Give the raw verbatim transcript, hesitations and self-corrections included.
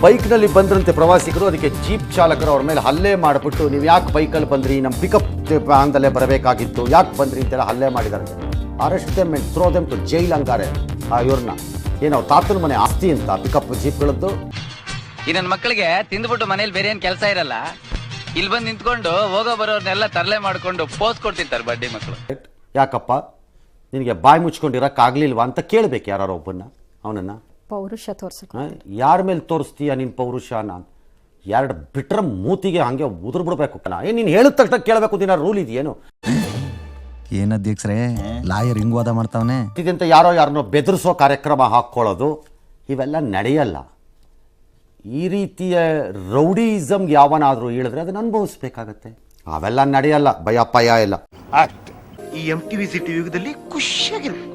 ಬೈಕ್ನಲ್ಲಿ ಬಂದ್ರಂತೆ ಪ್ರವಾಸಿಗರು, ಅದಕ್ಕೆ ಜೀಪ್ ಚಾಲಕರು ಅವ್ರ ಮೇಲೆ ಹಲ್ಲೆ ಮಾಡಿಬಿಟ್ಟು ನೀವು ಯಾಕೆ ಬೈಕಲ್ಲಿ ಬಂದ್ರಿ, ನಮ್ಮ ಪಿಕಪ್ ವ್ಯಾನ್ದಲ್ಲೇ ಬರಬೇಕಾಗಿತ್ತು, ಯಾಕೆ ಬಂದ್ರಿ ಅಂತೆಲ್ಲ ಹಲ್ಲೆ ಮಾಡಿದ್ದಾರೆ. Arrest them and throw them to jail ಅಂತಾರೆ ಆ ಇವ್ರನ್ನ. ಏನೋ ತಾತನ ಮನೆ ಆಸ್ತಿ ಅಂತ ಪಿಕಪ್ ಜೀಪ್ಗಳದ್ದು. ಈ ನನ್ನ ಮಕ್ಕಳಿಗೆ ತಿಂದ್ಬಿಟ್ಟು ಮನೇಲಿ ಬೇರೆ ಏನು ಕೆಲಸ ಇರಲ್ಲ, ಇಲ್ಲಿ ಬಂದು ನಿಂತ್ಕೊಂಡು ಹೋಗೋ ಬರೋರ್ನೆಲ್ಲ ತರಲೆ ಮಾಡ್ಕೊಂಡು ಪೋಸ್ ಕೊಡ್ತಿರ್ತಾರೆ ಬಡ್ಡಿ ಮಕ್ಕಳು. ಯಾಕಪ್ಪ ನಿನಗೆ ಬಾಯಿ ಮುಚ್ಕೊಂಡಿರೋಕ್ಕಾಗಲಿಲ್ವಾ ಅಂತ ಕೇಳಬೇಕು ಯಾರು ಒಬ್ಬನ್ನ, ಅವನನ್ನು. ಪೌರುಷ ತೋರ್ಸಕ್ಕೆ ಯಾರ ಮೇಲೆ ತೋರಿಸ್ತೀಯ ನೀನು ಪೌರುಷ? ನಾನು ಎರಡು ಬಿಟ್ರೆ ಮೂತಿಗೆ ಹಂಗೆ ಉದುರು ಬಿಡ್ಬೇಕು ಕಣ. ಏನು ನೀನು ಹೇಳಿದ ತಕ್ಷಣ ಕೇಳಬೇಕು ದಿನ ರೂಲ್ ಇದೆಯೇನು? ಏನ್ ಅಧ್ಯಕ್ಷರೇ ಲಾಯರ್ ಹಿಂಗ್ ವಾದ ಮಾಡ್ತಾವನೆ ಇದಂತ ಯಾರೋ ಯಾರನ್ನೋ ಬೆದರಿಸೋ ಕಾರ್ಯಕ್ರಮ ಹಾಕ್ಕೊಳ್ಳೋದು ಇವೆಲ್ಲ ನಡೆಯಲ್ಲ. ಈ ರೀತಿಯ ರೌಡಿಸಮ್ ಯಾವನಾದರೂ ಹೇಳಿದ್ರೆ ಅದನ್ನ ಅನುಭವಿಸ್ಬೇಕಾಗತ್ತೆ. ಅವೆಲ್ಲ ನಡೆಯಲ್ಲ, ಭಯ ಪಯ ಎಲ್ಲ. ಈ ಎಂ ಟಿವಿ ಸಿಟಿ ಯುಗದಲ್ಲಿ ಖುಷಿಯಾಗಿರ್ಬೇಕು.